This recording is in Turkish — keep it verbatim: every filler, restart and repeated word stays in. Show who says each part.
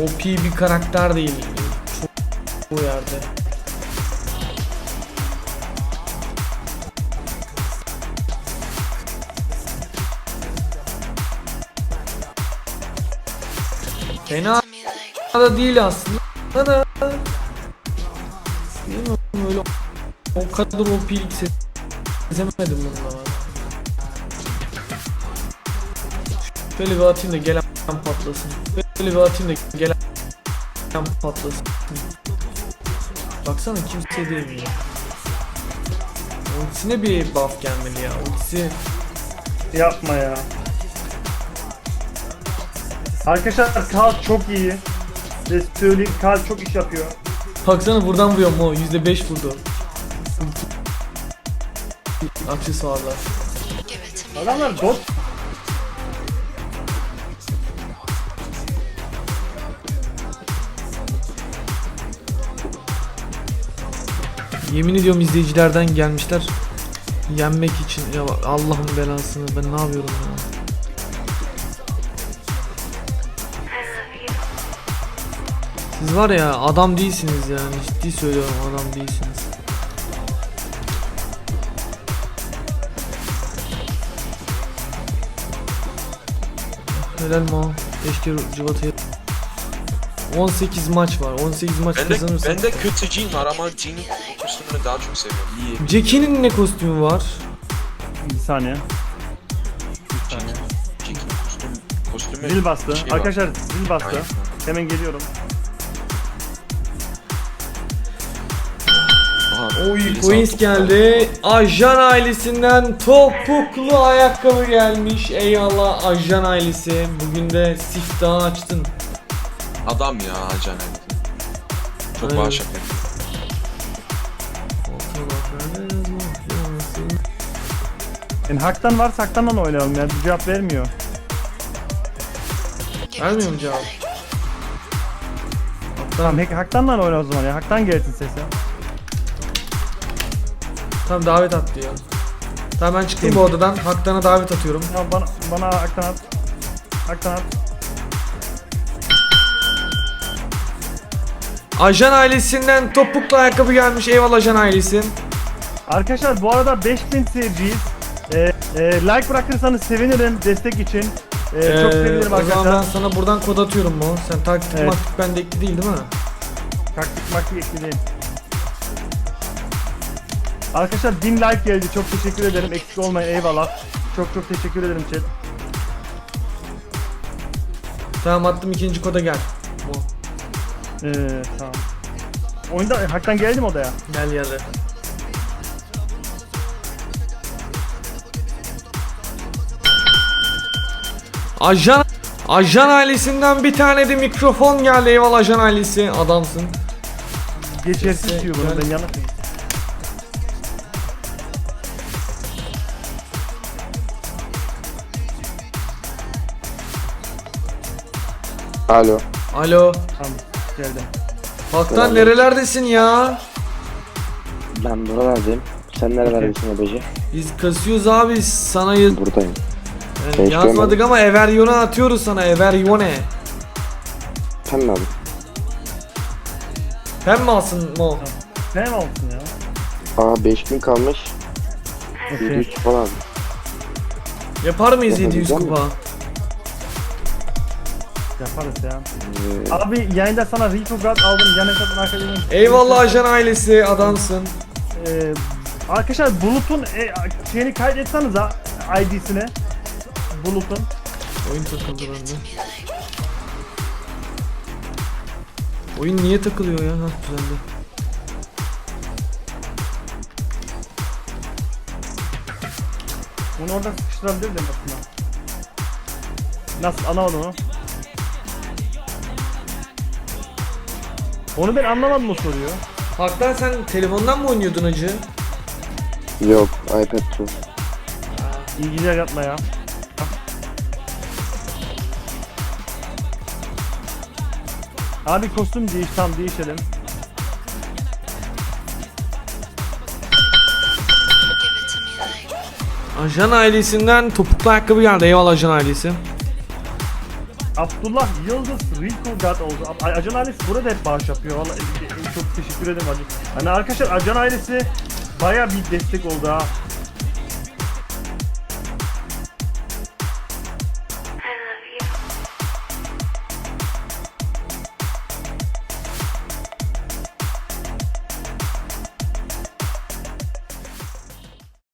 Speaker 1: O P bir karakter değil. Çok bu yerde. Fena da değil aslında da. Değil mi? Öyle o kadar O P'lik sezemedim bununla. Şöyle bir atayım da gelen patlasın. Böyle bir atayım da gelen patlasın. Baksana kimse değil ya. Ultisine bir buff gelmeli ya. Ultisi
Speaker 2: Yapma ya. Arkadaşlar Karl çok iyi. Size söyleyeyim, Karl çok iş yapıyor.
Speaker 1: baksana buradan vuruyorum o yüzde beş vurdu. Aksesuarlar.
Speaker 2: Adamlar bot.
Speaker 1: Yemin ediyorum izleyicilerden gelmişler. Yenmek için. Ya Allah'ın belasını, ben ne yapıyorum ya. Siz var ya adam değilsiniz yani, ciddi söylüyorum, adam değilsiniz. Helal mi? Keşke Civata'ya. on sekiz maç var. on sekiz maç
Speaker 3: Ben de,
Speaker 1: kazanırsak.
Speaker 3: ben de kötü Jean var ama Jean'in kostümünü daha çok seviyorum. İyi.
Speaker 1: Jackie'nin ne kostümü var?
Speaker 2: Bir saniye. Bir
Speaker 3: Jean,
Speaker 2: saniye.
Speaker 3: Jean'in kostüm, kostümü
Speaker 2: Zil bastı.
Speaker 3: şey var.
Speaker 2: Arkadaşlar zil bastı.
Speaker 3: Aynen.
Speaker 2: Hemen geliyorum.
Speaker 3: Aha,
Speaker 1: Oy,
Speaker 3: birisi
Speaker 1: coins
Speaker 3: aldı.
Speaker 1: geldi. Ajan ailesinden topuklu ayakkabı gelmiş. Eyvallah Ajan ailesi. Bugün de siftahı açtın.
Speaker 3: Adam ya Ajan Ailesi. Çok
Speaker 1: Aynen.
Speaker 3: bağış yapıyor.
Speaker 2: Yani haktan varsa haktandan oynayalım ya. Bir cevap vermiyor.
Speaker 1: Vermiyor mu cevap?
Speaker 2: Tamam hak- haktandan oyna o zaman ya. Haktan gelsin sesi.
Speaker 1: Tamam davet at diyor. Tamam ben çıktım
Speaker 2: Kim?
Speaker 1: bu odadan. Haktan'a davet atıyorum.
Speaker 2: Ya bana bana haktan at. Haktan at.
Speaker 1: Ajan ailesinden topuklu ayakkabı gelmiş. Eyvallah Ajan ailesi.
Speaker 2: Arkadaşlar bu arada beş bin seyirciyiz. Ee, e, like bırakırsanız sevinirim destek için. Ee, çok
Speaker 1: Ee,
Speaker 2: sevinirim
Speaker 1: o zaman ben
Speaker 2: arkadaşlar.
Speaker 1: sana buradan kod atıyorum mu? Sen taktik
Speaker 2: Evet.
Speaker 1: maktik bende ekli değil değil mi?
Speaker 2: Taktik maktik ekleyin. Arkadaşlar bin like geldi. Çok teşekkür ederim. Eksik olmayın. Eyvallah. Çok çok teşekkür ederim chat.
Speaker 1: Tamam attım, ikinci koda gel. Bu.
Speaker 2: Ee, tamam. Oyunda haktan geldim odaya.
Speaker 1: Gel ya da. Ajan Ajan ailesinden bir tane de mikrofon geldi. Eyvallah Ajan ailesi. Adamsın.
Speaker 2: Geçersiz
Speaker 1: Neyse,
Speaker 2: diyor bunu.
Speaker 1: gel.
Speaker 2: Ben yanlış mıyım?
Speaker 4: Alo.
Speaker 1: Alo.
Speaker 2: Tamam. Geldim.
Speaker 1: Haktan
Speaker 4: Selam.
Speaker 1: nerelerdesin ya?
Speaker 4: Ben buralardayım. Sen nerelerdesin Ebeci?
Speaker 1: Biz kasıyoruz abi. Sana yaz
Speaker 4: Buradayım.
Speaker 1: yani
Speaker 4: Sen hiç
Speaker 1: yazmadık
Speaker 4: görmedin.
Speaker 1: ama Everyone atıyoruz sana. Everyone.
Speaker 4: Sen mi abi?
Speaker 1: Sen mi alsın Mo?
Speaker 2: Ne mi olsun ya?
Speaker 4: Aa beş bin kalmış.
Speaker 2: Okey.
Speaker 4: yedi yüz falan abi.
Speaker 1: Yapar mıyız yedi yüz
Speaker 4: Yapabilecek
Speaker 1: kupa?
Speaker 2: Yaparız ya.
Speaker 4: Ee,
Speaker 2: Abi yayında sana Rico Guard aldım. Yan hesaptan arkadaşım.
Speaker 1: Eyvallah Ajan ailesi. Adamsın.
Speaker 2: Ee, arkadaşlar Bulut'un e, şeyini kaydetseniz ha I D'sine. Bulut'un.
Speaker 1: Oyun takıldı bende. Oyun niye takılıyor ya? Hah düzeldi.
Speaker 2: Bunu orada sıkıştırabilirdim aslında. Nasıl anlamadım onu? Onu ben anlamadım o soruyu.
Speaker 1: Haktan sen telefondan mı oynuyordun acı?
Speaker 4: yok iPad Pro.
Speaker 2: İyi geceler yapma ya. Abi kostüm değiş, tam değişelim.
Speaker 1: Ajan ailesinden topuklu ayakkabı geldi. Eyvallah Ajan ailesi.
Speaker 2: Abdullah Yıldız Rico God oldu. A- Acan ailesi burada hep bağış yapıyor. Vallahi e- e- çok teşekkür ederim Acan. Hani arkadaşlar Acan ailesi baya bir destek oldu ha.